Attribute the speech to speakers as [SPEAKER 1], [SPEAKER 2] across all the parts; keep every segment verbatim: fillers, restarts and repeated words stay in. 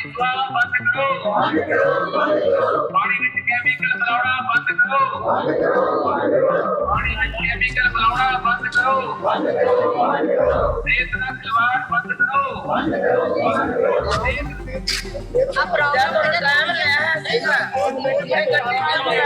[SPEAKER 1] पानी which chemical मिलाउणा बंद करो पानी विच केमिकल मिलाउणा बंद करो रेत नाल खिलवाड़ बंद करो
[SPEAKER 2] ਆ ਪ੍ਰੋਗਰਾਮ ਦੇ ਕਾਇਮ ਰਿਹਾ ਸੀਗਾ ਇਹ ਗੱਡੀ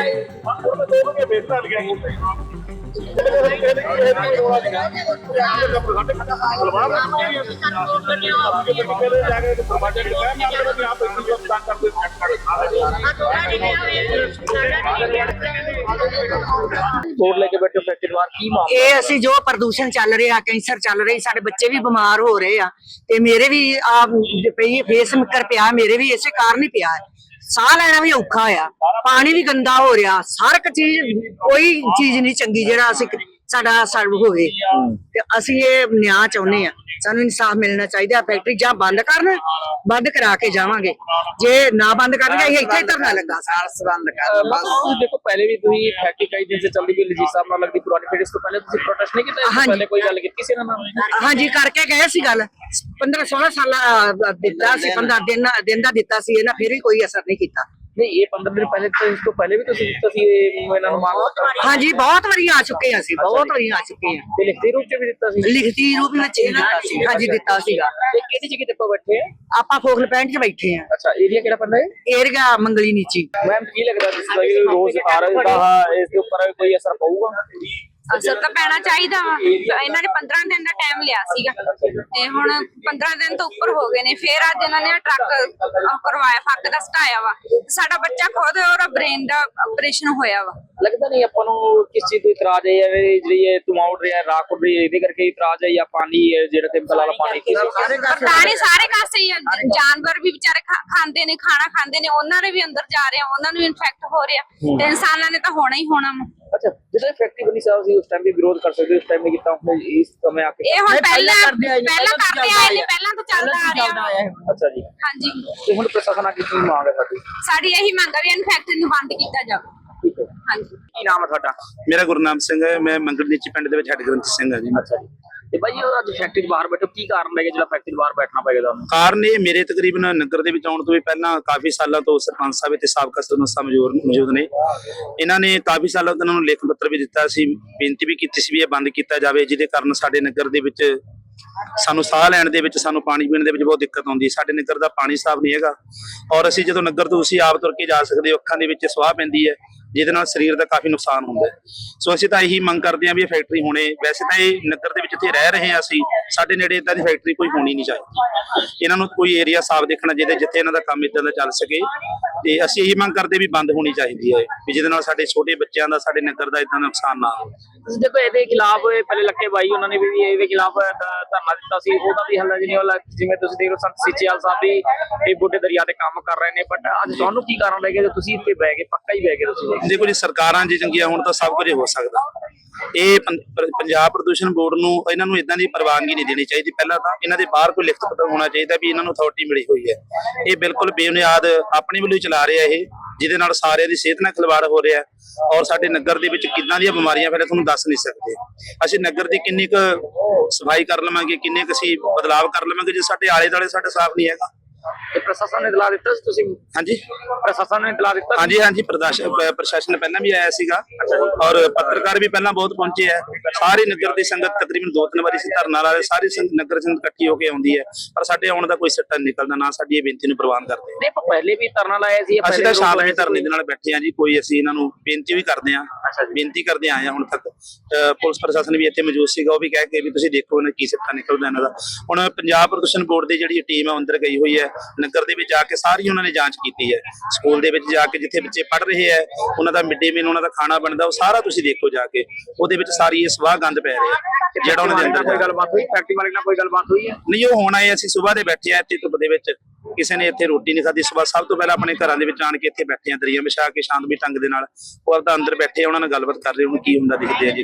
[SPEAKER 3] ਕੋਟ ਲੈ ਕੇ ਬੈਠੇ ਫੈਕਟਰੀ ਬਾਹਰ ਕੀ ਮਾਮਲਾ
[SPEAKER 4] ਇਹ ਅਸੀਂ ਜੋ ਪ੍ਰਦੂਸ਼ਣ ਚੱਲ ਰਿਹਾ ਕੈਂਸਰ ਚੱਲ ਰਹੀ ਸਾਡੇ ਬੱਚੇ ਵੀ ਬਿਮਾਰ ਹੋ ਰਹੇ ਆ ਤੇ ਮੇਰੇ ਵੀ ਆ ਪਈ ਫੇਸ ਮਿੱਕਰ ਪਿਆ ਮੇਰੇ ਵੀ ਇਸੇ ਕਾਰਨ ਹੀ ਪਿਆ ਹੈ। ਸਾਹ ਲੈਣਾ ਵੀ ਔਖਾ ਆ ਪਾਣੀ ਵੀ ਗੰਦਾ ਹੋ ਰਿਹਾ ਹਰ ਇੱਕ ਚੀਜ਼ ਕੋਈ ਚੀਜ਼ ਨਹੀਂ ਚੰਗੀ ਜਿਹੜਾ ਅਸੀਂ ਸਾਡਾ ਸਰਵ ਹੋਵੇ ਤੇ ਅਸੀਂ ਇਹ ਨਿਆਂ ਚਾਹੁੰਦੇ ਆ ਸਾਨੂੰ ਇਨਸਾਫ ਮਿਲਣਾ ਚਾਹੀਦਾ ਫੈਕਟਰੀ ਜਾਂ ਬੰਦ ਕਰਨ ਬੰਦ ਕਰਾ ਕੇ ਜਾਵਾਂਗੇ ਜੇ ਨਾ ਬੰਦ ਕਰਨਗੇ ਅਸੀਂ ਇੱਥੇ ਹੀ ਧਰਨਾ ਲੱਗਾ ਸਾਰ ਬੰਦ ਕਰ
[SPEAKER 3] ਬਸ ਤੁਸੀਂ ਦੇਖੋ ਪਹਿਲੇ ਵੀ ਤੁਸੀਂ ਫੈਕਟਰੀ ਕਈ ਦਿਨ ਸੇ ਚੱਲਦੀ ਵੀ ਲਜੀ ਸਾਹਿਬ ਨਾਲ ਲੱਗਦੀ ਪੁਰਾਣੀ ਫਿਰ ਇਸ ਤੋਂ ਪਹਿਲੇ ਤੁਸੀਂ ਪ੍ਰੋਟੈਸਟ ਨਹੀਂ ਕੀਤਾ ਇਸ ਤੋਂ ਪਹਿਲੇ ਕੋਈ ਗੱਲ ਕੀਤੀ ਸੀ ਇਹਨਾਂ ਨਾਲ
[SPEAKER 4] ਹਾਂਜੀ ਕਰਕੇ ਗਏ ਸੀ ਗੱਲ ਪੰਦਰਾਂ ਸੋਲਾਂ ਸਾਲ ਦਿੱਤਾ ਸੀ ਪੰਦਰਾਂ ਦਿਨ ਦਿਨ ਦਾ ਦਿੱਤਾ ਸੀ ਇਹਨਾਂ ਫਿਰ ਵੀ ਕੋਈ ਅਸਰ ਨਹੀਂ ਕੀਤਾ
[SPEAKER 3] ਨਹੀਂ ਇਹ ਪੰਦਰਾਂ ਦਿਨ ਪਹਿਲੇ ਤਾਂ ਇਸ ਤੋਂ ਪਹਿਲੇ ਵੀ ਤੁਸੀਂ ਦਿੱਤਾ ਸੀ ਇਹਨਾਂ ਨੂੰ ਮੰਗ
[SPEAKER 4] ਹਾਂਜੀ ਬਹੁਤ ਵਾਰੀ ਆ ਚੁੱਕੇ ਹਾਂ ਅਸੀਂ ਬਹੁਤ ਵਾਰੀ ਆ ਚੁੱਕੇ ਹਾਂ
[SPEAKER 3] ਤੇ ਲਿਖਤੀ ਰੂਪ ਚ ਵੀ ਦਿੱਤਾ ਸੀ
[SPEAKER 4] ਲਿਖਤੀ ਰੂਪ ਵਿੱਚ ਹੀ ਦਿੱਤਾ ਸੀ ਹਾਂਜੀ ਦਿੱਤਾ ਸੀਗਾ
[SPEAKER 3] ਤੇ ਕਿਹੜੀ ਜਗ੍ਹਾ ਤੇ ਆਪਾਂ ਬੈਠੇ ਆ
[SPEAKER 4] ਆਪਾਂ ਫੋਕਲ ਪੈਂਟ 'ਚ ਬੈਠੇ ਆ
[SPEAKER 3] ਅੱਛਾ ਏਰੀਆ ਕਿਹੜਾ ਪੈਂਦਾ ਹੈ
[SPEAKER 4] ਏਰੀਆ ਮੰਗਲੀ ਨੀਚੀ
[SPEAKER 3] ਮੈਮ ਕੀ ਲੱਗਦਾ ਜਿਸ ਤਰ੍ਹਾਂ ਕਿ ਰੋਜ਼ ਆ ਰਿਹਾ ਦਾ ਇਸ ਦੇ ਉੱਪਰ ਕੋਈ ਅਸਰ ਪਊਗਾ
[SPEAKER 2] ਅਸਰ ਤਾਂ ਪੈਣਾ ਚਾਹੀਦਾ ਵਾ ਇਹਨਾਂ ਨੇ ਪੰਦਰਾਂ ਦਿਨ ਦਾ ਟਾਈਮ ਲਿਆ ਸੀਗਾ ਤੇ ਹੁਣ ਪੰਦਰਾਂ ਦਿਨ ਤੋਂ ਉੱਪਰ ਹੋ ਗਏ ਨੇ ਫਿਰ ਅੱਜ ਇਹਨਾਂ ਨੇ ਟਰੱਕ ਕਰਵਾਇਆ ਫੱਕ ਦਾ ਸਟਾਇਆ ਵਾ ਸਾਡਾ ਬੱਚਾ ਖੁਦ ਉਹਦਾ ਬ੍ਰੇਨ ਦਾ ਆਪਰੇਸ਼ਨ ਹੋਇਆ ਵਾ
[SPEAKER 3] ਲੱਗਦਾ ਨਹੀਂ ਆਪਾਂ ਨੂੰ ਕਿਸ ਚੀਜ਼ ਤੋਂ ਇਤਰਾਜ਼ ਹੈ ਐਵੇਂ ਜਿਹੜੀ ਇਹ ਧੂਆਂ ਉੱਡ ਰਿਹਾ ਰਾਖ ਉੱਡ ਰਹੀ ਹੈ ਇਹਦੇ ਕਰਕੇ ਇਤਰਾਜ਼ ਹੈ ਜਾਂ ਪਾਣੀ ਹੈ ਜਿਹੜਾ ਸਿੰਪਲ ਵਾਲਾ ਪਾਣੀ
[SPEAKER 2] ਪਤਾ ਨਹੀਂ ਸਾਰੇ ਕਾਸੇ ਹੀ ਆ। ਜਾਨਵਰ ਵੀ ਵਿਚਾਰੇ ਖਾ- ਖਾਂਦੇ ਨੇ ਖਾਣਾ ਖਾਂਦੇ ਨੇ ਉਹਨਾਂ ਦੇ ਵੀ ਅੰਦਰ ਜਾ ਰਿਹਾ ਉਹਨਾਂ ਨੂੰ ਇਨਫੈਕਟ ਹੋ ਰਿਹਾ ਤੇ ਇਨਸਾਨਾਂ ਨੇ ਤਾਂ ਹੋਣਾ ਹੀ ਹੋਣਾ ਵਾ।
[SPEAKER 3] ਅੱਛਾ ਜਦੋਂ ਫੈਕਟਰੀ ਬਣੀ ਸਾਹਿਬ ਸੀ ਉਸ ਟਾਈਮ ਵੀ ਵਿਰੋਧ ਕਰ ਸਕਦੇ ਉਸ ਟਾਈਮ ਨਹੀਂ ਕੀਤਾ ਹੁਣ ਇਸ ਸਮੇਂ ਆ ਕੇ
[SPEAKER 2] ਇਹ ਹੁਣ ਪਹਿਲਾਂ ਪਹਿਲਾਂ ਕਰਦੇ ਆਏ ਨੇ ਪਹਿਲਾਂ ਤੋਂ ਚੱਲਦਾ ਆ ਰਿਹਾ ਵਾ।
[SPEAKER 3] ਅੱਛਾ ਜੀ
[SPEAKER 2] ਹਾਂਜੀ
[SPEAKER 3] ਤੇ ਹੁਣ ਪ੍ਰਸ਼ਾਸਨ ਆ ਕੀ ਮੰਗ ਹੈ ਸਾਡੀ
[SPEAKER 2] ਸਾਡੀ ਇਹੀ ਮੰਗ ਆ ਵੀ ਇਹਨੂੰ ਫੈਕਟਰੀ ਨੂੰ ਬੰਦ ਕੀਤਾ ਜਾਵੇ।
[SPEAKER 3] ਠੀਕ ਹੈ
[SPEAKER 2] ਹਾਂਜੀ
[SPEAKER 3] ਕੀ ਨਾਮ ਹੈ ਤੁਹਾਡਾ
[SPEAKER 5] ਮੇਰਾ ਗੁਰਨਾਮ ਸਿੰਘ ਹੈ ਮੈਂ ਮੰਗਲ ਨੀਚੀ ਪਿੰਡ ਦੇ ਵਿੱਚ ਹੈਡ ਗ੍ਰੰਥੀ ਸਿੰਘ ਹਾਂ ਜੀ
[SPEAKER 3] ਅੱਛਾ ਜੀ ਤੇ ਭਾਈ ਉਹ ਅੱਜ ਫੈਕਟਰੀ ਬਾਹਰ ਬੈਠੋ ਕੀ ਕਾਰਨ ਹੈ ਜਿਹੜਾ ਫੈਕਟਰੀ ਬਾਹਰ ਬੈਠਣਾ ਪਏਗਾ ਤੁਹਾਨੂੰ
[SPEAKER 5] ਕਾਰਨ ਇਹ ਮੇਰੇ ਤਕਰੀਬਨ ਨਗਰ ਦੇ ਵਿੱਚ ਆਉਣ ਤੋਂ ਵੀ ਪਹਿਲਾਂ ਕਾਫੀ ਸਾਲਾਂ ਤੋਂ ਸਰਪੰਚ ਸਾਹਿਬ ਤੇ ਸਾਬਕਾ ਸਰਪੰਚ ਸਾਹਿਬ ਮੌਜੂਦ ਮੌਜੂਦ ਨੇ ਇਹਨਾਂ ਨੇ ਕਾਫੀ ਸਾਲਾਂ ਤੋਂ ਇਹਨਾਂ ਨੂੰ ਲਿਖ ਪੱਤਰ ਵੀ ਦਿੱਤਾ ਸੀ ਬੇਨਤੀ ਵੀ ਕੀਤੀ ਸੀ ਵੀ ਇਹ ਬੰਦ ਕੀਤਾ ਜਾਵੇ ਜਿਹਦੇ ਕਾਰਨ ਸਾਡੇ ਨਗਰ ਦੇ ਵਿੱਚ ਸਾਨੂੰ ਸਾਹ ਲੈਣ ਦੇ ਵਿੱਚ ਸਾਨੂੰ ਪਾਣੀ ਪੀਣ ਦੇ ਵਿੱਚ ਬਹੁਤ ਦਿੱਕਤ ਆਉਂਦੀ ਹੈ ਸਾਡੇ ਨਗਰ ਦਾ ਪਾਣੀ ਸਾਫ਼ ਨਹੀਂ ਹੈਗਾ ਔਰ ਅਸੀਂ ਜਦੋਂ ਨਗਰ ਤੋਂ ਤੁਸੀਂ ਆਪ ਤੁਰ ਕੇ ਜਾ ਸਕਦੇ ਹੋ ਅੱਖਾਂ ਦੇ ਵਿੱਚ ਸਵਾਹ ਪੈਂਦੀ ਹੈ ਜਿਹਦੇ ਨਾਲ ਸਰੀਰ ਦਾ ਕਾਫੀ ਨੁਕਸਾਨ ਹੁੰਦਾ ਹੈ ਸੋ ਅਸੀਂ ਤਾਂ ਇਹੀ ਮੰਗ ਕਰਦੇ ਹਾਂ ਵੀ ਇਹ ਫੈਕਟਰੀ ਹੋਣੇ ਵੈਸੇ ਤਾਂ ਇਹ ਨਗਰ ਦੇ ਵਿੱਚ ਇੱਥੇ ਰਹਿ ਰਹੇ ਹਾਂ ਅਸੀਂ ਸਾਡੇ ਨੇੜੇ ਇਦਾਂ ਦੀ ਫੈਕਟਰੀ ਕੋਈ ਹੋਣੀ ਨਹੀਂ ਚਾਹੀਦੀ ਇਹਨਾਂ ਨੂੰ ਕੋਈ ਏਰੀਆ ਸਾਫ਼ ਦੇਖਣਾ ਚਾਹੀਦਾ ਜਿੱਥੇ ਇਹਨਾਂ ਦਾ ਕੰਮ ਇਦਾਂ ਦਾ ਚੱਲ ਸਕੇ ਤੇ ਅਸੀਂ ਇਹੀ ਮੰਗ ਕਰਦੇ ਵੀ ਬੰਦ ਹੋਣੀ ਚਾਹੀਦੀ ਹੈ ਵੀ ਜਿਹਦੇ ਨਾਲ ਸਾਡੇ ਛੋਟੇ ਬੱਚਿਆਂ ਦਾ ਸਾਡੇ ਨਗਰ ਦਾ ਇਦਾਂ ਨੁਕਸਾਨ ਨਾ ਹੋਵੇ
[SPEAKER 3] ਤੁਸੀਂ ਦੇਖੋ ਇਹਦੇ ਖਿਲਾਫ ਪਹਿਲੇ ਲੱਕੇ ਬਾਈ ਉਹਨਾਂ ਨੇ ਵੀ ਇਹਦੇ ਖਿਲਾਫ ਧਰਨਾ ਦਿੱਤਾ ਸੀ ਉਹਦਾ ਵੀ ਹੱਲ ਨਹੀਂ ਹੋਇਆ ਜਿਵੇਂ ਤੁਸੀਂ ਦੇਖ ਲਓ ਸੰਤ ਸੀਚੇਵਾਲ ਸਾਹਿਬ ਵੀ ਇਹ ਬੁੱਢੇ ਦਰਿਆ ਤੇ ਕੰਮ ਕਰ ਰਹੇ ਨੇ ਬਟ ਅੱਜ ਤੁਹਾਨੂੰ ਕੀ ਕਾਰਨ ਲੱਗੇ ਜੇ ਤੁਸੀਂ ਇੱਥੇ ਬਹਿ ਗਏ ਪੱਕਾ ਹੀ ਬਹਿ ਗਏ ਤੁਸੀਂ
[SPEAKER 5] ਦੇਖੋ ਜੀ ਸਰਕਾਰਾਂ ਜੇ ਚੰਗੀਆਂ ਹੋਣ ਤਾਂ ਸਭ ਕੁਝ ਹੋ ਸਕਦਾ ਇਹ ਪੰਜਾਬ ਪ੍ਰਦੂਸ਼ਣ ਬੋਰਡ ਨੂੰ ਇਹਨਾਂ ਨੂੰ ਇਦਾਂ ਦੀ ਪ੍ਰਵਾਨਗੀ ਨਹੀਂ ਦੇਣੀ ਚਾਹੀਦੀ ਪਹਿਲਾਂ ਤਾਂ ਇਹਨਾਂ ਦੇ ਬਾਹਰ ਕੋਈ ਲਿਖਤ ਪੱਤਰ ਹੋਣਾ ਚਾਹੀਦਾ ਵੀ ਇਹਨਾਂ ਨੂੰ ਅਥਾਰਟੀ ਮਿਲੀ ਹੋਈ ਹੈ ਇਹ ਬਿਲਕੁਲ ਬੇਬੁਨਿਆਦ ਆਪਣੇ ਵੱਲੋਂ ਹੀ ਚਲਾ ਰਿਹਾ ਇਹ ਜਿਹਦੇ ਨਾਲ ਸਾਰਿਆਂ ਦੀ ਸਿਹਤ ਨਾਲ ਖਿਲਵਾੜ ਹੋ ਰਿਹਾ ਔਰ ਸਾਡੇ ਨਗਰ ਦੇ ਵਿੱਚ ਕਿੰਨਾਂ ਦੀਆਂ ਬਿਮਾਰੀਆਂ ਫੈਲੇ ਤੁਹਾਨੂੰ ਦੱਸ ਨਹੀਂ ਸਕਦੇ ਅਸੀਂ ਨਗਰ ਦੀ ਕਿੰਨੀ ਕੁ ਸਫਾਈ ਕਰ ਲਵਾਂਗੇ ਕਿੰਨੇ ਕੁ ਅਸੀਂ ਬਦਲਾਵ ਕਰ ਲਵਾਂਗੇ ਜੇ ਸਾਡੇ ਆਲੇ ਦੁਆਲੇ ਸਾਡਾ ਸਾਫ਼ ਨਹੀਂ ਹੈਗਾ
[SPEAKER 3] ਤੇ ਪ੍ਰਸ਼ਾਸਨ ਨੇ ਇਤਲਾਹ ਦਿੱਤਾ ਸੀ ਤੁਸੀਂ
[SPEAKER 5] ਹਾਂਜੀ
[SPEAKER 3] ਪ੍ਰਸ਼ਾਸਨ ਨੇ ਇਤਲਾਹ ਦਿੱਤਾ
[SPEAKER 5] ਹਾਂਜੀ ਹਾਂਜੀ ਪ੍ਰਸ਼ਾਸਨ ਪਹਿਲਾਂ ਵੀ ਆਇਆ ਸੀਗਾ ਔਰ ਪੱਤਰਕਾਰ ਵੀ ਪਹਿਲਾਂ ਬਹੁਤ ਪਹੁੰਚੇ ਆ ਸਾਰੇ ਨਗਰ ਦੀ ਸੰਗਤ ਤਕਰੀਬਨ ਦੋ ਤਿੰਨ ਵਾਰੀ ਸੀ ਧਰਨਾ ਲਾ ਰਹੇ ਸਾਰੀ ਨਗਰ ਸੰਗਤ ਇਕੱਠੀ ਹੋ ਕੇ ਆਉਂਦੀ ਹੈ ਪਰ ਸਾਡੇ ਆਉਣ ਦਾ ਕੋਈ ਸਿੱਟਾ ਨਹੀਂ ਨਿਕਲਦਾ ਨਾ ਸਾਡੀ ਇਹ ਬੇਨਤੀ ਨੂੰ ਪ੍ਰਵਾਨ ਕਰਦੇ
[SPEAKER 3] ਨਹੀਂ ਆਪਾਂ ਪਹਿਲੇ ਵੀ ਧਰਨਾ ਲਾਇਆ ਸੀ
[SPEAKER 5] ਅਸੀਂ ਤਾਂ ਸ਼ਾਮਲ ਧਰਨੇ ਦੇ ਨਾਲ ਬੈਠੇ ਆ ਜੀ ਕੋਈ ਅਸੀਂ ਇਹਨਾਂ ਨੂੰ ਬੇਨਤੀ ਵੀ ਕਰਦੇ ਆ ਬੇਨਤੀ ਕਰਦੇ ਆਏ ਆ ਹੁਣ ਤੱਕ ਪੁਲਿਸ ਪ੍ਰਸ਼ਾਸਨ ਵੀ ਇੱਥੇ ਮੌਜੂਦ ਸੀਗਾ ਉਹ ਵੀ ਕਹਿ ਕੇ ਵੀ ਤੁਸੀਂ ਦੇਖੋ ਇਹਨਾਂ ਕੀ ਸਿੱਟਾ ਨਿਕਲਦਾ ਇਹਨਾਂ ਦਾ ਹੁਣ ਪੰਜਾਬ ਪ੍ਰਦੂਸ਼ਣ ਬੋਰਡ ਦੀ ਜਿਹੜੀ ਟੀਮ ਹੈ ਅੰਦਰ ਗਈ ਹੋਈ ਹੈ ਨਗਰ ਦੇ ਵਿੱਚ ਜਾ ਕੇ ਸਾਰੀ ਉਹਨਾਂ ਨੇ ਜਾਂਚ ਕੀਤੀ ਹੈ ਸਕੂਲ ਦੇ ਵਿੱਚ ਜਾ ਕੇ ਜਿੱਥੇ ਬੱਚੇ ਪੜ੍ਹ ਰਹੇ ਹੈ ਉਹਨਾਂ ਦਾ ਮਿਡ ਡੇ ਮੀਲ ਉਹਨਾਂ ਦਾ ਖਾਣਾ ਬਣਦਾ ਉਹ ਸਾਰਾ ਤੁਸੀਂ ਦੇਖੋ ਜਾ ਕੇ ਉਹਦੇ ਵਿੱਚ ਸਾਰੀ ਇਹ ਸਵਾਹ ਗੰਦ ਪੈ ਰਿਹਾ ਜਿਹੜਾ ਉਹਨਾਂ ਦੇ ਅੰਦਰ
[SPEAKER 3] ਕੋਈ ਗੱਲਬਾਤ ਹੋਈ ਫੈਕਟਰੀ ਮਾਲਕ ਨਾਲ ਕੋਈ ਗੱਲਬਾਤ ਹੋਈ ਹੈ
[SPEAKER 5] ਨਹੀਂ ਉਹ ਹੁਣ ਆਏ ਅਸੀਂ ਸਵੇਰ ਦੇ ਬੈਠੇ ਆ ਇੱਥੇ ਧੁੱਪ ਦੇ ਵਿੱਚ ਕਿਸੇ ਨੇ ਇੱਥੇ ਰੋਟੀ ਨਹੀਂ ਖਾਧੀ ਸਵੇਰ ਸਭ ਤੋਂ ਪਹਿਲਾਂ ਆਪਣੇ ਘਰਾਂ ਦੇ ਵਿੱਚ ਆਣ ਕੇ ਇੱਥੇ ਬੈਠੇ ਆ ਦਰਿਆ ਵਿਛਾ ਕੇ ਸ਼ਾਂਤਮਈ ਢੰਗ ਦੇ ਨਾਲ ਉਹ ਆਪਦਾ ਅੰਦਰ ਬੈਠੇ ਉਹਨਾਂ ਨਾਲ ਗੱਲਬਾਤ ਕਰ ਰਹੇ ਹੁਣ ਕੀ ਹੁੰਦਾ ਦਿਖਦੇ ਆ ਜੀ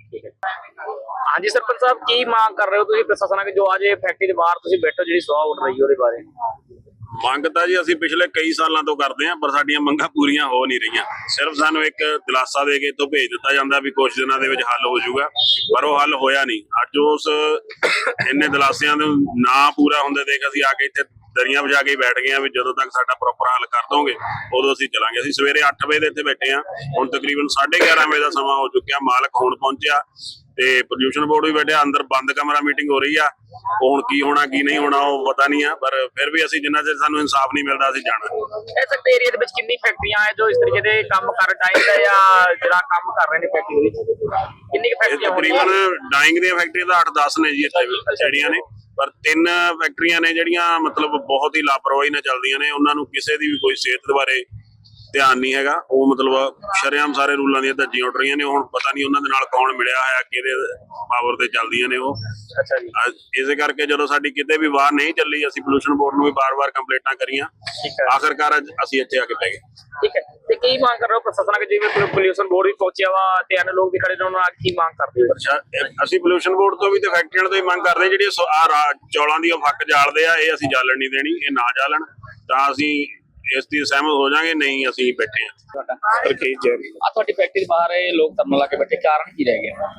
[SPEAKER 3] ਹਾਂਜੀ ਸਰਪੰਚ ਸਾਹਿਬ ਕੀ ਮੰਗ ਕਰ ਰਹੇ ਹੋ ਤੁਸੀਂ ਪ੍ਰਸ਼ਾਸਨ ਅੱਗੇ ਜੋ ਅੱਜ ਇਹ ਫੈਕਟਰੀ ਦੇ ਬਾਹਰ ਤੁਸੀਂ ਬੈਠੋ ਜਿਹੜੀ ਸਵਾਹ ਉੱਡ ਰਹੀ ਹੈ ਉਹਦੇ ਬਾਰੇ
[SPEAKER 6] ਮੰਗ ਤਾਂ ਜੀ ਅਸੀਂ ਪਿਛਲੇ ਕਈ ਸਾਲਾਂ ਤੋਂ ਕਰਦੇ ਆਂ ਪਰ ਸਾਡੀਆਂ ਮੰਗਾਂ ਪੂਰੀਆਂ ਹੋ ਨਹੀਂ ਰਹੀਆਂ ਸਿਰਫ ਸਾਨੂੰ ਇੱਕ ਦਿਲਾਸਾ ਦੇ ਕੇ ਤੋਂ ਭੇਜ ਦਿੱਤਾ ਜਾਂਦਾ ਵੀ ਕੁਝ ਦਿਨਾਂ ਦੇ ਵਿੱਚ ਹੱਲ ਹੋ ਜਾਊਗਾ ਪਰ ਉਹ ਹੱਲ ਹੋਇਆ ਨਹੀਂ ਅੱਜ ਉਸ ਇੰਨੇ ਦਿਲਾਸਿਆਂ ਦੇ ਨਾ ਪੂਰਾ ਹੁੰਦੇ ਦੇਖ ਅਸੀਂ ਆ ਕੇ ਇੱਥੇ ਦਰੀਆਂ ਵਿਛਾ ਕੇ ਬੈਠ ਗਏ ਆ ਵੀ ਜਦੋਂ ਤੱਕ ਸਾਡਾ ਪ੍ਰੋਪਰ ਹੱਲ ਕਰ ਦੋਗੇ ਉਦੋਂ ਅਸੀਂ ਚਲਾਂਗੇ। ਅਸੀਂ ਸਵੇਰੇ ਅੱਠ ਵਜੇ ਦੇ ਇੱਥੇ ਬੈਠੇ ਆ, ਹੁਣ ਤਕਰੀਬਨ ਸਾਢੇ ਗਿਆਰਾਂ ਵਜੇ ਦਾ ਸਮਾਂ ਹੋ ਚੁੱਕਿਆ। ਮਾਲਕ ਹੁਣ ਪਹੁੰਚਿਆ ਤੇ ਪ੍ਰਦੂਸ਼ਣ ਬੋਰਡ ਵੀ ਬੈਠਿਆ, ਅੰਦਰ ਬੰਦ ਕਮਰਾ ਮੀਟਿੰਗ ਹੋ ਰਹੀ ਆ। ਉਹ ਹੁਣ ਕੀ ਹੋਣਾ ਕੀ ਨਹੀਂ ਹੋਣਾ ਉਹ ਪਤਾ ਨਹੀਂ ਆ, ਪਰ ਫਿਰ ਵੀ ਅਸੀਂ ਜਿੰਨਾ ਚਿਰ ਸਾਨੂੰ ਇਨਸਾਫ ਨਹੀਂ ਮਿਲਦਾ ਅਸੀਂ ਜਾਣਾ।
[SPEAKER 3] ਇਸ ਏਰੀਆ ਦੇ ਵਿੱਚ ਕਿੰਨੀ ਫੈਕਟਰੀਆਂ ਹੈ ਜੋ ਇਸ ਤਰੀਕੇ ਦੇ ਕੰਮ ਕਰ ਡਾਈਂਗ ਦਾ ਜਾਂ ਜਿਹੜਾ ਕੰਮ ਕਰ ਰਹੇ ਨੇ ਫੈਕਟਰੀ ਦੇ ਵਿੱਚ? ਕਿੰਨੀ ਕੁ
[SPEAKER 6] ਇਹ
[SPEAKER 3] ਫੈਕਟਰੀਆਂ ਹੋਣਗੀਆਂ?
[SPEAKER 6] ਤਕਰੀਬਨ ਡਾਈਂਗ ਦੀਆਂ ਫੈਕਟਰੀਆਂ ਤਾਂ ਅੱਠ ਦਸ ਨੇ ਜੀ ਇੱਥੇ ਜਿਹੜੀਆਂ ਨੇ, ਪਰ ਤਿੰਨ ਫੈਕਟਰੀਆਂ ਨੇ ਜਿਹੜੀਆਂ ਮਤਲਬ ਬਹੁਤ ਹੀ ਲਾਪਰਵਾਹੀ ਨਾਲ ਚੱਲਦੀਆਂ ਨੇ। ਉਹਨਾਂ ਨੂੰ ਕਿਸੇ ਦੀ ਵੀ ਕੋਈ ਸਿਹਤ ਬਾਰੇ ਧਿਆਨ ਨਹੀਂ ਹੈਗਾ। ਉਹ ਮਤਲਬ ਸ਼ਰੇਆਮ ਸਾਰੇ ਰੂਲਾਂ ਦੀਆਂ ਧੱਜੀਆਂ ਉੱਡ ਰਹੀਆਂ ਨੇ। ਹੁਣ ਪਤਾ ਨਹੀਂ ਉਹਨਾਂ ਦੇ ਨਾਲ ਕੌਣ ਮਿਲਿਆ ਹੋਇਆ, ਕਿਹਦੇ ਪਾਵਰ ਤੇ ਚੱਲਦੀਆਂ ਨੇ ਉਹ।
[SPEAKER 3] ਅੱਛਾ ਜੀ,
[SPEAKER 6] ਇਸੇ ਕਰਕੇ ਜਦੋਂ ਸਾਡੀ ਕਿਤੇ ਵੀ ਵਾਰ ਨਹੀਂ ਚੱਲੀ, ਅਸੀਂ ਪੋਲੂਸ਼ਨ ਬੋਰਡ ਨੂੰ ਵੀ ਬਾਰ-ਬਾਰ ਕੰਪਲੇਂਟਾਂ ਕਰੀਆਂ।
[SPEAKER 3] ਠੀਕ ਹੈ,
[SPEAKER 6] ਆਖਰਕਾਰ ਅੱਜ ਅਸੀਂ ਇੱਥੇ ਆ ਕੇ ਬਹਿ ਗਏ।
[SPEAKER 3] ਠੀਕ ਹੈ। ਤੇ ਕੀ ਮੰਗ ਕਰ ਰਹੇ ਹੋ ਪ੍ਰਸ਼ਾਸਨ ਅੱਗੇ? ਜਿਵੇਂ ਪੋਲੂਸ਼ਨ ਬੋਰਡ ਵੀ ਪਹੁੰਚਿਆ ਵਾ ਤੇ ਅਨ ਲੋਕ ਵੀ ਖੜੇ ਨੇ, ਉਹਨਾਂ ਕੀ ਮੰਗ ਕਰਦੇ ਹੋ?
[SPEAKER 6] ਅੱਛਾ, ਅਸੀਂ ਪੋਲੂਸ਼ਨ ਬੋਰਡ ਤੋਂ ਵੀ ਤੇ ਫੈਕਟਰੀਆਂ ਤੋਂ ਹੀ ਮੰਗ ਕਰਦੇ ਹਾਂ, ਜਿਹੜੀਆਂ ਆ ਚੌਲਾਂ ਦੀ ਉਹ ਫੱਕ ਜਾਲਦੇ ਆ, ਇਹ ਅਸੀਂ ਜਾਲਣ ਨਹੀਂ ਦੇਣੀ। ਇਹ ਨਾ ਜਾਲਣ ਤਾਂ ਅਸੀਂ ਇਸ ਦੀ ਸਹਿਮਤ ਹੋ ਜਾਾਂਗੇ, ਨਹੀਂ ਅਸੀਂ ਬੈਠੇ ਹਾਂ।
[SPEAKER 3] ਤੁਹਾਡਾ
[SPEAKER 5] ਰਕੇਸ਼ ਜੈਨ।
[SPEAKER 3] ਆ ਤੁਹਾਡੀ ਫੈਕਟਰੀ ਦੇ ਬਾਹਰ ਇਹ ਲੋਕ ਧਰਨਾ ਲਾ ਕੇ ਬੈਠੇ, ਕਾਰਨ ਕੀ ਰਹਿ ਗਿਆ?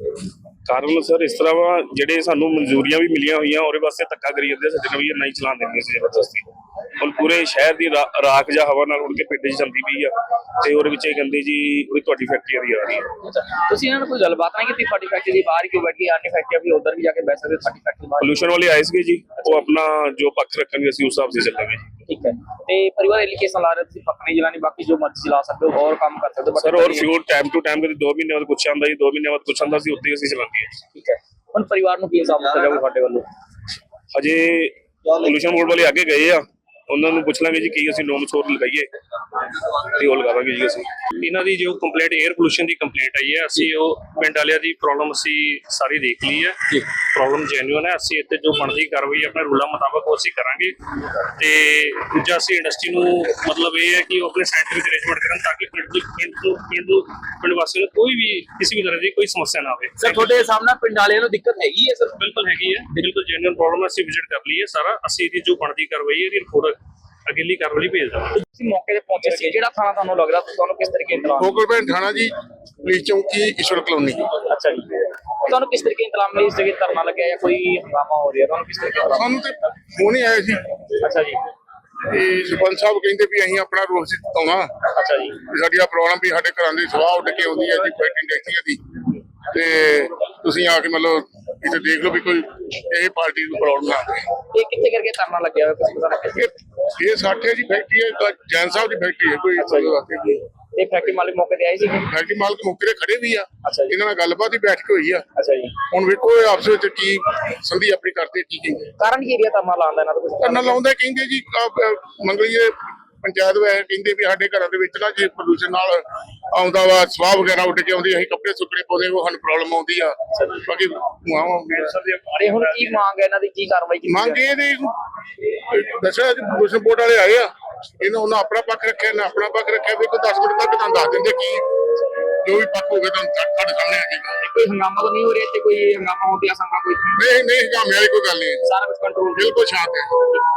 [SPEAKER 7] ਕਾਰਨ ਸਰ ਇਸ ਤਰ੍ਹਾਂ ਵਾ, ਜਿਹੜੇ ਸਾਨੂੰ ਮਨਜ਼ੂਰੀਆਂ ਵੀ ਮਿਲੀਆਂ ਹੋਈਆਂ ਉਹਦੇ ਵਾਸਤੇ ਧੱਕਾ ਕਰੀ ਜਾਂਦੇ, ਸਾਡੇ ਨਾਲ ਵੀ ਇਹ ਨਹੀਂ ਚਲਾਉਣ ਦਿੰਦੇ ਸੀ ਜ਼ਬਰਦਸਤੀ। ਹੁਣ ਪੂਰੇ ਸ਼ਹਿਰ ਦੀ ਰਾ- ਰਾਖ ਜਾਂ ਹਵਾ ਨਾਲ ਉੜ ਕੇ ਪਿੰਡ 'ਚ ਜਾਂਦੀ ਪਈ ਆ, ਤੇ ਉਹਦੇ ਵਿੱਚ ਇਹ ਕਹਿੰਦੇ ਜੀ ਉਹ ਤੁਹਾਡੀ ਫੈਕਟਰੀ ਦੀ ਆ ਰਹੀ ਹੈ।
[SPEAKER 3] ਅੱਛਾ, ਤੁਸੀਂ ਇਹਨਾਂ ਨਾਲ ਕੋਈ ਗੱਲਬਾਤ ਨਹੀਂ ਕੀਤੀ? ਤੁਹਾਡੀ ਫੈਕਟਰੀ ਦੇ ਬਾਹਰ ਹੀ ਕਿਉਂ ਬੈਠੀ? अन्य ਫੈਕਟਰੀ ਵੀ ਉਧਰ ਵੀ ਜਾ ਕੇ ਬੈਠ ਸਕਦੇ, ਤੁਹਾਡੀ ਫੈਕਟਰੀ ਬਾਹਰ।
[SPEAKER 7] ਪੋਲੂਸ਼ਨ ਵਾਲੇ ਆਏ ਸੀਗੇ ਜੀ, ਉਹ ਆਪਣਾ ਜੋ ਪੱਖ ਰੱਖਣਗੇ ਅਸੀਂ ਉਸ ਹਿਸਾਬ से ਚੱਲਾਂਗੇ ਜੀ।
[SPEAKER 3] ਠੀਕ ਹੈ। ਤੇ ਪਰਿਵਾਰ ਐਲੀਗੇਸ਼ਨ ਲਾ ਰਹੇ ਤੁਸੀਂ ਪੱਕ ਨਹੀਂ ਜਲਾਣੀ, ਬਾਕੀ ਜੋ ਮਰਜ਼ੀ ਚਲਾ ਸਕਦੇ ਹੋ, ਹੋਰ ਕੰਮ ਕਰ ਸਕਦੇ ਹੋ।
[SPEAKER 7] ਸਰ ਔਰ ਫਿਊਲ ਟਾਈਮ ਟੂ ਟਾਈਮ ਕਦੇ ਦੋ ਮਹੀਨੇ ਬਾਅਦ ਕੁਛ ਆਉਂਦਾ ਜੀ, ਦੋ ਮਹੀਨੇ ਬਾਅਦ ਕੁਛ ਆਉਂਦਾ ਸੀ, ਉੱਤੇ ਹੀ ਅਸੀਂ ਚਲਾਉਂਦੇ ਹਾਂ।
[SPEAKER 3] ਠੀਕ ਹੈ। ਹੁਣ ਪਰਿਵਾਰ ਨੂੰ ਕੀ ਹਿਸਾਬ ਦਿੱਤਾ ਜਾਊਗਾ ਤੁਹਾਡੇ ਵੱਲੋਂ?
[SPEAKER 7] ਅਜੇ ਪੋਲੂਸ਼ਨ ਬੋਰਡ ਵਾਲੇ ਅੱਗੇ ਗਏ ਆ, ਉਹਨਾਂ ਨੂੰ ਪੁੱਛ ਲਾਂਗੇ ਜੀ ਕੀ ਅਸੀਂ ਨੋਮਸ ਹੋਰ ਲਗਾਈਏ ਤੇ ਉਹ ਲਗਾਵਾਂਗੇ ਜੀ। ਅਸੀਂ ਇਹਨਾਂ ਦੀ ਜੋ ਕੰਪਲੇਂਟ 에ਅਰ ਪੋਲੂਸ਼ਨ ਦੀ ਕੰਪਲੇਂਟ ਆਈ ਹੈ, ਅਸੀਂ ਉਹ ਪਿੰਡ ਵਾਲਿਆਂ ਦੀ ਪ੍ਰੋਬਲਮ ਅਸੀਂ ਸਾਰੀ ਦੇਖ ਲਈ ਹੈ। ਪ੍ਰੋਬਲਮ ਜੈਨੂਇਨ ਹੈ। ਅਸੀਂ ਇੱਥੇ ਜੋ ਬਣਦੀ ਕਾਰਵਾਈ ਆਪਣੇ ਰੂਲਾਂ ਮੁਤਾਬਕ ਉਹ ਅਸੀਂ ਕਰਾਂਗੇ। ਤੇ ਦੂਜਾ ਅਸੀਂ ਇੰਡਸਟਰੀ ਨੂੰ ਮਤਲਬ ਇਹ ਹੈ ਕਿ ਉਹ ਆਪਣੇ ਸਾਇੰਟਿਫਿਕ ਅਰੇਂਜਮੈਂਟ ਕਰਨ ਤਾਂ ਕਿ ਪਿੰਡ ਨੂੰ ਪਿੰਡ ਨੂੰ ਪਿੰਡ ਨੂੰ ਪਿੰਡ ਵਾਸੀਆਂ ਨੂੰ ਕੋਈ ਵੀ ਕਿਸੇ ਵੀ ਤਰ੍ਹਾਂ ਦੀ ਕੋਈ ਸਮੱਸਿਆ ਨਾ ਆਵੇ।
[SPEAKER 3] ਸਰ ਤੁਹਾਡੇ ਸਾਹਮਣੇ ਪਿੰਡ ਵਾਲਿਆਂ ਨੂੰ ਦਿੱਕਤ ਹੈਗੀ ਹੈ? ਸਰ
[SPEAKER 7] ਬਿਲਕੁਲ ਹੈਗੀ ਹੈ, ਬਿਲਕੁਲ ਜੈਨੂਇਨ ਪ੍ਰੋਬਲਮ ਹੈ। ਅਸੀਂ ਵਿਜ਼ਿਟ ਕਰ ਲਈ ਹੈ ਸਾਰਾ, ਅਸੀਂ ਇਹਦੀ ਜੋ ਬਣਦੀ ਕਾਰਵਾਈ ਹੈ ਇਹਦੀ ਰਿਪੋਰਟ ਅਗਲੀ ਕਾਰਵਾਈ ਭੇਜ ਦਾਂਗੇ।
[SPEAKER 3] ਤੁਸੀਂ ਮੌਕੇ ਤੇ ਪਹੁੰਚੇ ਸੀ, ਜਿਹੜਾ ਥਾਣਾ ਤੁਹਾਨੂੰ ਲੱਗਦਾ ਤੁਹਾਨੂੰ ਕਿਸ ਤਰੀਕੇ ਇੰਤਜ਼ਾਮ?
[SPEAKER 8] ਫੋਕਲਪੈਂਟ ਥਾਣਾ ਜੀ, ਪੁਲਿਸ ਚੌਂਕੀ, ਈਸ਼ਵਰ ਕਲੋਨੀ।
[SPEAKER 3] ਅੱਛਾ ਜੀ, ਤੁਹਾਨੂੰ ਕਿਸ ਤਰੀਕੇ ਇੰਤਜ਼ਾਮ ਮਿਲੇ? ਇਸ ਜਗ੍ਹਾ ਧਰਨਾ ਲੱਗਿਆ ਜਾਂ ਕੋਈ ਹੰਗਾਮਾ ਹੋ ਰਿਹਾ, ਤੁਹਾਨੂੰ ਕਿਸ ਤਰੀਕੇ ਇੰਤਜ਼ਾਮ?
[SPEAKER 8] ਸਾਨੂੰ ਤੇ ਫੋਨ ਹੀ ਆਇਆ ਸੀ
[SPEAKER 3] ਅੱਛਾ ਜੀ,
[SPEAKER 8] ਤੇ ਸਰਪੰਚ ਸਾਹਿਬ ਕਹਿੰਦੇ ਵੀ ਅਸੀਂ ਆਪਣਾ ਰੋਸ ਜਤਾਉਣਾ
[SPEAKER 3] ਅੱਛਾ ਜੀ,
[SPEAKER 8] ਵੀ ਸਾਡੀ ਆ ਪ੍ਰੋਬਲਮ ਵੀ ਸਾਡੇ ਘਰਾਂ ਦੀ ਸਵਾਹ ਉੱਡ ਕੇ ਆਉਂਦੀ ਹੈ ਜੀ ਫੈਕਟਰੀ ਇੰਡਸਟਰੀ ਦੀ, ਤੇ ਤੁਸੀਂ ਆ ਕੇ ਮਤਲਬ ਇੱਥੇ ਦੇਖ ਲਓ ਵੀ ਕੋਈ ਇਹ ਪਾਰਟੀ ਨੂੰ ਪ੍ਰੋਬਲਮ ਨਾ ਆਵੇ।
[SPEAKER 3] ਇਹ ਕਿੱਥੇ ਕਰਕੇ ਧਰਨਾ ਲੱਗਿਆ ਹੋਇਆ ਕੁਝ ਪਤਾ ਲੱਗਿਆ?
[SPEAKER 8] ਇਹ ਇਹ ਸਾਠੇ ਦੀ ਫੈਕਟਰੀ ਹੈ, ਤਾਂ ਜੈਨ ਸਾਹਿਬ ਦੀ ਫੈਕਟਰੀ ਹੈ ਕੋਈ।
[SPEAKER 3] ਤੇ ਫੈਕਟਰੀ ਮਾਲਕ ਮੌਕੇ ਤੇ ਆਏ ਸੀ?
[SPEAKER 8] ਫੈਕਟਰੀ ਮਾਲਕ ਮੌਕੇ ਤੇ ਖੜੇ ਵੀ ਆ,
[SPEAKER 3] ਅੱਛਾ ਜੀ,
[SPEAKER 8] ਇਹਨਾਂ ਨਾਲ ਗੱਲਬਾਤ ਹੀ ਬੈਠ ਕੇ ਹੋਈ ਆ।
[SPEAKER 3] ਅੱਛਾ ਜੀ।
[SPEAKER 8] ਹੁਣ ਵੇਖੋ ਇਹ ਆਪਸ ਵਿੱਚ ਕੀ ਸੰਧੀ ਆਪਣੀ ਕਰਦੇ ਕੀ ਕਹਿੰਦੇ।
[SPEAKER 3] ਕਾਰਨ ਕੀ ਏਰੀਆ ਧਰਨਾ ਲਾਉਂਦਾ ਇਹਨਾਂ ਦਾ ਕੁਝ?
[SPEAKER 8] ਧਰਨਾ ਲਾਉਂਦੇ ਕਹਿੰਦੇ ਜੀ ਮੰਗਲੀਏ ਪੰਚਾਇਤ ਵਾਲੇ ਕਹਿੰਦੇ ਵੀ ਸਾਡੇ ਘਰਾਂ ਦੇ ਵਿੱਚ ਨਾ ਜੇ ਪ੍ਰਦੂਸ਼ਣ ਨਾਲ ਆਉਂਦਾ ਵਾ, ਸਵਾਹ ਵਗੈਰਾ ਉੱਡ ਕੇ ਆਉਂਦੀ, ਅਸੀਂ ਕੱਪੜੇ ਸੁੱਕਣੇ ਪਾਉਂਦੇ, ਉਹ ਸਾਨੂੰ ਪ੍ਰੋਬਲਮ ਆਉਂਦੀ ਆ। ਬਾਕੀ
[SPEAKER 3] ਅਰੇ ਹੁਣ ਕੀ ਮੰਗ ਹੈ ਇਹਨਾਂ ਦੀ, ਕੀ ਕਾਰਵਾਈ ਕੀਤੀ
[SPEAKER 8] ਮੰਗ ਇਹਦੀ ਦੱਸਿਆ ਜੀ ਪ੍ਰਦੂਸ਼ਣ ਬੋਰਡ ਵਾਲੇ ਆਏ ਆ, ਇਹਨਾਂ ਉਹਨਾਂ ਆਪਣਾ ਪੱਖ ਰੱਖਿਆ, ਇਹਨਾਂ ਆਪਣਾ ਪੱਖ ਰੱਖਿਆ। ਵੀ ਕੋਈ ਦਸ ਮਿੰਟ ਤੱਕ ਤੁਹਾਨੂੰ ਦੱਸ ਦਿੰਦੇ ਕੀ ਜੋ ਵੀ ਪੱਖ ਹੋਵੇ ਤੁਹਾਨੂੰ ਸਾਡੇ ਸਾਹਮਣੇ ਆ ਜਾਏਗਾ।
[SPEAKER 3] ਕੋਈ ਹੰਗਾਮਾ ਤਾਂ ਨਹੀਂ ਹੋ ਰਿਹਾ ਇੱਥੇ? ਕੋਈ ਹੰਗਾਮਾ ਹੋਣ ਦੀ ਆਸ਼ੰਕਾ ਕੋਈ?
[SPEAKER 8] ਨਹੀਂ ਨਹੀਂ ਹੰਗਾਮੇ ਵਾਲੀ ਕੋਈ ਗੱਲ ਨਹੀਂ,
[SPEAKER 3] ਸਾਰਾ ਕੁਝ ਕੰਟਰੋਲ?
[SPEAKER 8] ਬਿਲਕੁਲ ਸ਼ਾਂਤ ਹੈ।